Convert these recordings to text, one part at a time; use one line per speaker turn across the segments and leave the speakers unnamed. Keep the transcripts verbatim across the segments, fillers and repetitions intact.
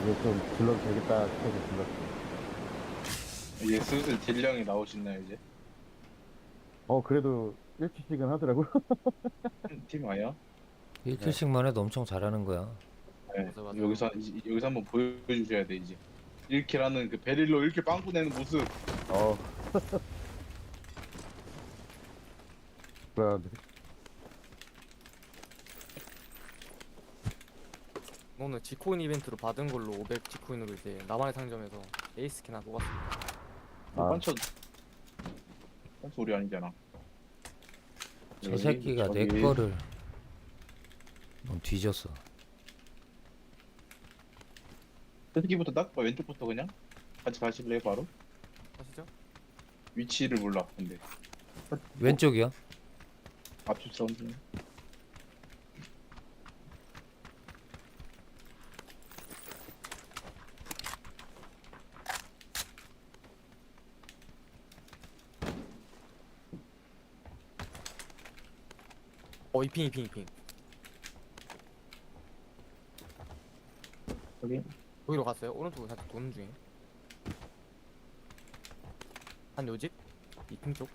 이제 좀 질러도 되겠다 싶어서 질렀어.
이제 슬슬 딜량이 나오시나요 이제?
어, 그래도 일 킬씩은 하더라고.
음, 팀 아야?
네.
일 킬씩만 해도 엄청 잘하는 거야.
네.
맞아 맞아요.
여기서 이제- 여기서 한번 보여주셔야 돼 이제. 일 킬하는 그 베릴로 이렇게 빵꾸 내는 모습.
어, 그래.
오늘 지코인 이벤트로 받은 걸로 오백 지코인으로 이제 나만의 상점에서 에이스 스킨 하나 뽑았습니다.
뭐
아.
반쳐 반쳐 우리 아니잖아.
저
여기,
새끼가 내
저기.
거를 넌 뒤졌어.
새끼부터 닦아 왼쪽부터 그냥 같이 가실래요 바로?
아시죠?
위치를 몰라 근데
왼쪽이야?
앞집 사운드.
어 이핑 이핑 이핑.
여기
거기로 갔어요. 오른쪽으로 살짝 도는 중에. 한 요집? 이핑 쪽.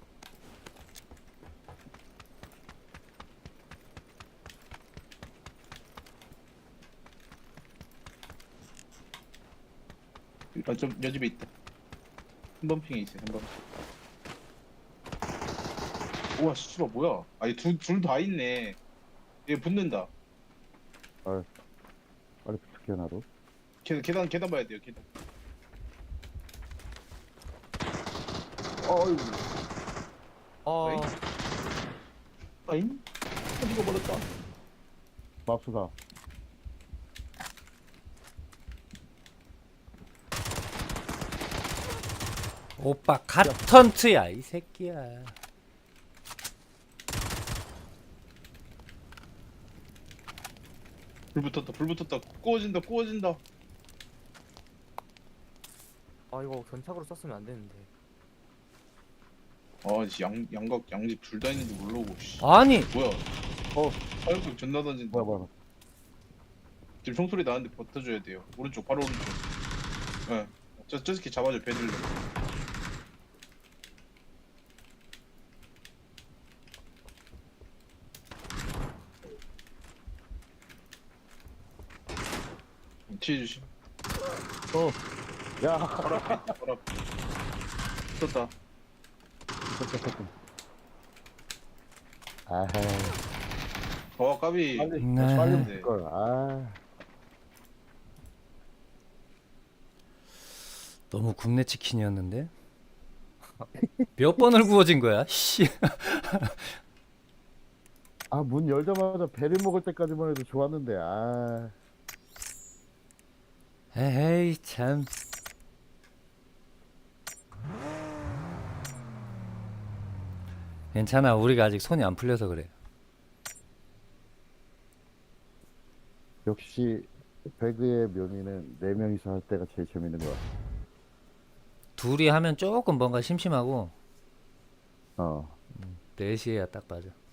아, 좀 여집에 있다. 한 번 핑에 있어 한 번. 우와 씨발 뭐야? 아니 둘둘 다 있네. 얘 붙는다.
빨리 부탁해, 나도.
계단 계단 계단 봐야 돼요 계단.
어이,
아
어이? 아잉? 터지고 버렸다.
맙소사.
오빠 갓턴트야 이 새끼야.
불 붙었다 불 붙었다 구워진다 구워진다.
아 이거 견착으로 썼으면 안 되는데.
아양 양각 양집 둘 다 있는지 모르고 씨.
아니
뭐야?
어,
화염병 존나 던진다.
뭐야, 뭐야.
지금 총소리 나는데 버텨줘야 돼요. 오른쪽 바로 오른쪽. 예. 저, 저 새끼 잡아줘 베들레. 치해주시.
어, 야.
바로 앞에 있다, 바로 앞에. 붙었다.
아하,
어 까비.
빨리,
네.
빨리 붙을걸. 아,
너무 굽네 치킨이었는데. 몇 번을 구워진 거야? 씨.
아, 문 열자마자 배를 먹을 때까지만 해도 좋았는데, 아.
에이 참. 괜찮아 우리가 아직 손이 안 풀려서 그래.
역시, 배그의 묘미는 네 명이서 할 때가 제일 재밌는 것 같아.
둘이 하면 조금 뭔가 심심하고
어.
넷이야 딱 맞아.